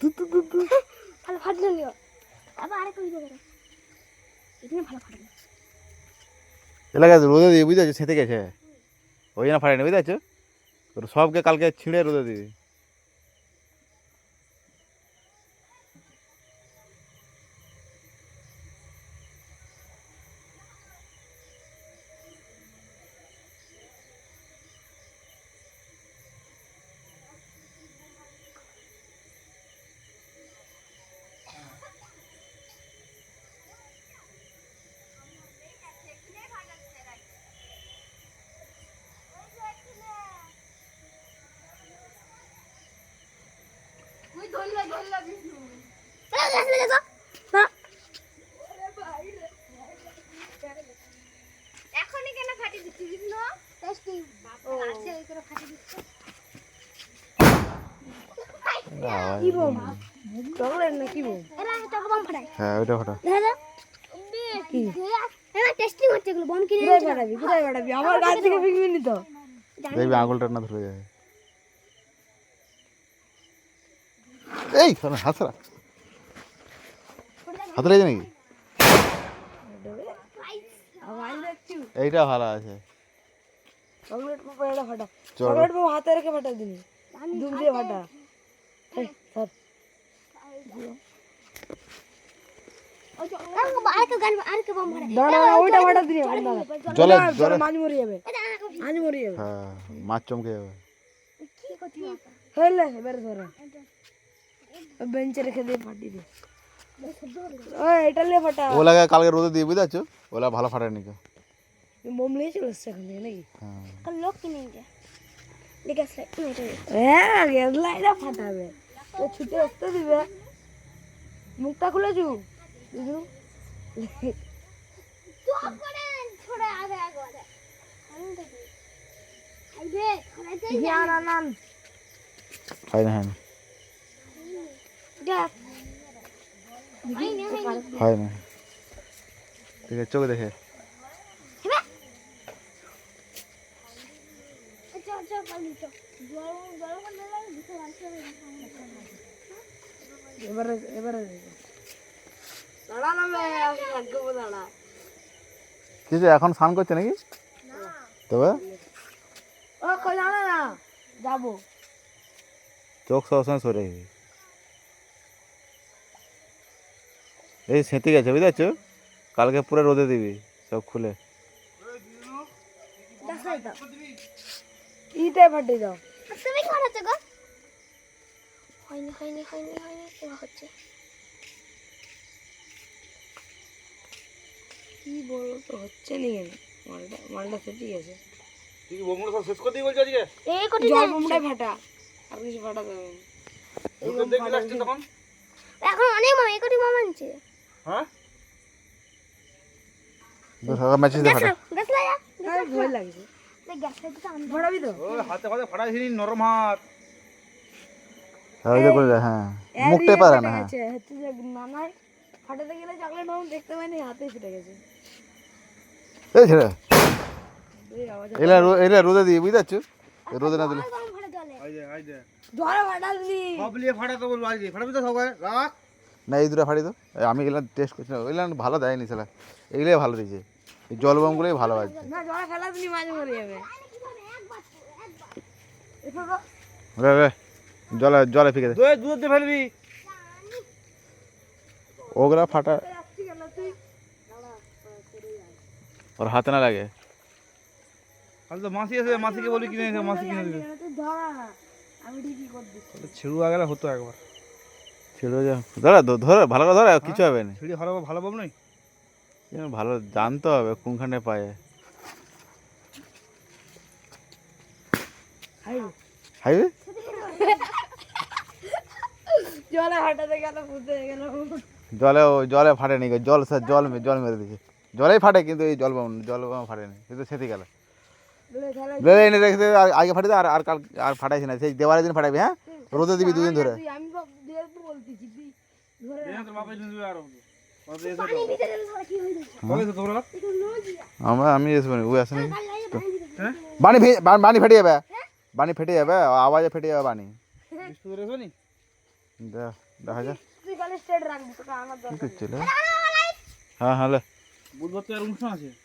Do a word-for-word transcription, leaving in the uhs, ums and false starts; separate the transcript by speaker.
Speaker 1: তু তু তু তু
Speaker 2: ভালো ফাটলো নিও আবার আরেকটা ভিডিও করো এখানে ভালো ফাটলো
Speaker 3: এলাকা রোদে দিয়ে বুঝতে পারছো সেঁতে গেছে ওই জন্য ফাটেনি বুঝতে পারছো তোর সবকে কালকে ছিঁড়ে রোদে দিবি
Speaker 2: এখনই কেন ফাটি দিচ্ছি বিষ্ণু টেস্টিং আছে ওই করে ফাটি দিচ্ছি
Speaker 1: কি বম চকলেট না কি বম
Speaker 2: এরা এটা বম ফাটায়
Speaker 3: হ্যাঁ ওইটা ফাটা
Speaker 2: দাদা কি এরা টেস্টিং হচ্ছে এগুলো বম কিনে
Speaker 1: কোথায় ফাটাবি কোথায় ফাটাবি আমার গাছ থেকে ফিকবি নি তো
Speaker 3: দেখবি আঙুলটা না ধরে যাবে এই হাতরা হাত লেগেছে নাকি
Speaker 1: আওয়াজ দেখছি
Speaker 3: এইটা ভালো আছে
Speaker 1: চকলেট পাপা এটা ফাটা
Speaker 3: চলো।
Speaker 1: চকলেট পাপা হাতে রেখে ফাটা দিনি দুধ দিয়ে ফাটা এই স্যার
Speaker 2: আরেকটা গান আরেকটা বম ফাটায়
Speaker 1: দাঁড়া দাঁড়া ওইটা ফাটা দিনি
Speaker 3: জলে জলে
Speaker 1: মাছ মরে যাবে মাছ মরে যাবে
Speaker 3: হ্যাঁ মাছ চমকে যাবে
Speaker 2: কি করতে
Speaker 1: হেলে এবারে ধরো বেঞ্চে রেখে দিয়ে ফাটি দে ওই এটা নিয়ে ফাটা
Speaker 3: ওলাকে কালকে রোদে দিয়ে বুঝতে পারছো ওলা ভালো ফাটায়নি কেউ
Speaker 1: মোম নিয়ে চলে এসছে এখান থেকে নাকি
Speaker 3: হ্যাঁ
Speaker 2: কাল লোক কিনে নিয়ে দেখে আসলে এটা
Speaker 1: হ্যাঁ গেদলা এটা ফাটাবে ও ছুটে আসতে দিবে মুখটা খুলে চু বুঝু
Speaker 2: চুপ করে ছড়ে আগে আগে আগে আমি দেখি আইবে খাইতে
Speaker 1: জ্ঞান আনান
Speaker 3: হয় না হয় না
Speaker 2: যা আই নে
Speaker 3: হয় না ঠিক আছে চোখে দেখে
Speaker 2: চল চল পালি চল গরম গরম করলে লাগে ভিতরে আসবে
Speaker 1: এবারে এবারে দাঁড়া না মে আমি লাগবো দাঁড়া
Speaker 3: কিছু এখন স্নান করছে নাকি তবে
Speaker 1: ও কই জানা না যাবো
Speaker 3: চোখ সবসময় সরে গেছে এই সেঁতে গেছে বুঝতে পারছো কালকে পুরো রোদে দিবি সব খুলে
Speaker 2: দেখাই দাও
Speaker 1: ইতে ফাটি দাও
Speaker 2: তুমি কি করতে গো হয়নি হয়নি হয়নি হয়নি এবার হচ্ছে
Speaker 1: কি বলো তো হচ্ছে নি কেন মালটা মালটা ফেটে গেছে
Speaker 3: তুই কি বোমগুলো সব শেষ করে দিয়ে বলছো আজকে
Speaker 2: এই কোটি
Speaker 1: জল বোমটাই ফাটা আর কিছু ফাটা দেবে না
Speaker 3: রোদে দেখবি লাস্টে তখন
Speaker 2: এখন অনেক মামা এই কোটি মামা আনছে
Speaker 3: হ্যাঁ ম্যাচিস দে ফাটা
Speaker 2: গ্যাস লাগা
Speaker 1: আর ভয় লাগছে
Speaker 2: দেখ গ্যাস লাগা তো আমি
Speaker 1: ফাটাবি তো
Speaker 3: ও হাতে হাতে ফাটাইছিনি নরম হাত হ্যাঁ ওই করে হ্যাঁ মুখতে পারে না হ্যাঁ
Speaker 1: হচ্ছে হচ্ছে যে নানাই ফাটাতে গেলে চকলেট মাম দেখতে পাইনি হাতে ফেটে গেছে
Speaker 3: এই ছেড়ে
Speaker 1: এই আওয়াজ
Speaker 3: এলা এলা রোদে দিয়ে বুঝতে পারছো রোদে না দিলে
Speaker 2: গরম ভরে জলে
Speaker 3: আই দে আই দে
Speaker 1: জলে ফাটালি
Speaker 3: সব লিয়ে ফাটা তো বলবো আজকে ফাটাবি তো সবাই রাখ না এই দুটো ফাটি তো এই আমি এগুলো টেস্ট করছি না ওইগুলো ভালো দেয়নি সেলা এগুলোই ভালো দিয়েছে এই জল বোমগুলোই ভালো বাজছে
Speaker 1: না জলে ফেলা দিনি মাছ মরে যাবে এসব
Speaker 3: রে রে জলে জলে ফিকে দে
Speaker 4: দুধ দুধ দিয়ে ফেলবি
Speaker 3: ওগুলা ফাটা
Speaker 1: আসছি কেন তুই
Speaker 3: ওর হাতে না লাগে
Speaker 4: তাহলে তো মাসি এসে মাসিকে বলি কিনে এসে মাসি কিনে দেবে
Speaker 1: তুই ধরা না আমি ঠিকই করে দিচ্ছি
Speaker 4: ছিড়ু আগেলে হতো একবার
Speaker 3: ছিল যে ধরে ধরে ভালো করে ধরে কিছু হবে না
Speaker 4: ছিড়ি ভালো ভালো পাব নাই
Speaker 3: এবার ভালো জানতে হবে কোনখানে পায়ে
Speaker 1: হাই
Speaker 3: হাইবে
Speaker 1: জলে ফাটাতে গেল ফুটে গেল
Speaker 3: জলে ও জলে ফাটেনি গো, জল স্যার জল মে- জল মেরে দিয়েছে জলেই ফাটে কিন্তু এই জল বাম জল বাম ফাটেনি কিন্তু সেটি গেল লে এনে রেখে আগে- আগে ফাটিয়ে দে, আর আর কাল আর ফাটাইছি না সেই দেওয়ালের দিন ফাটাবি হ্যাঁ রোদে দিবি দুদিন ধরে
Speaker 1: আমি দিয়ে বলতেছি তুই ধরে
Speaker 4: তোর বাবা এসে দিবে আর
Speaker 2: পানি ভিতরে ধরে কি হয়ে যাচ্ছে
Speaker 4: কবে এসে তোমরা
Speaker 2: এটা নজিয়া
Speaker 3: আমরা আমি আসবো না ওই আসে নাকি
Speaker 2: কাল লাগে পানি ভিতরে
Speaker 4: হ্যাঁ
Speaker 3: বানি ভে- বা- বানি ফেটে যাবে বানি ফেটে যাবে আওয়াজে ফেটে যাবে বানি
Speaker 4: বিস্কুট এসে নি
Speaker 3: দে- দেখা যাক
Speaker 1: তুই খালি স্ট্রেট রাখবি তোকে আমার
Speaker 3: কি
Speaker 1: দরকার
Speaker 3: করছিল হ্যাঁ হ্যাঁ লে।
Speaker 4: বুধবার তো আর অনুষ্ঠান আছে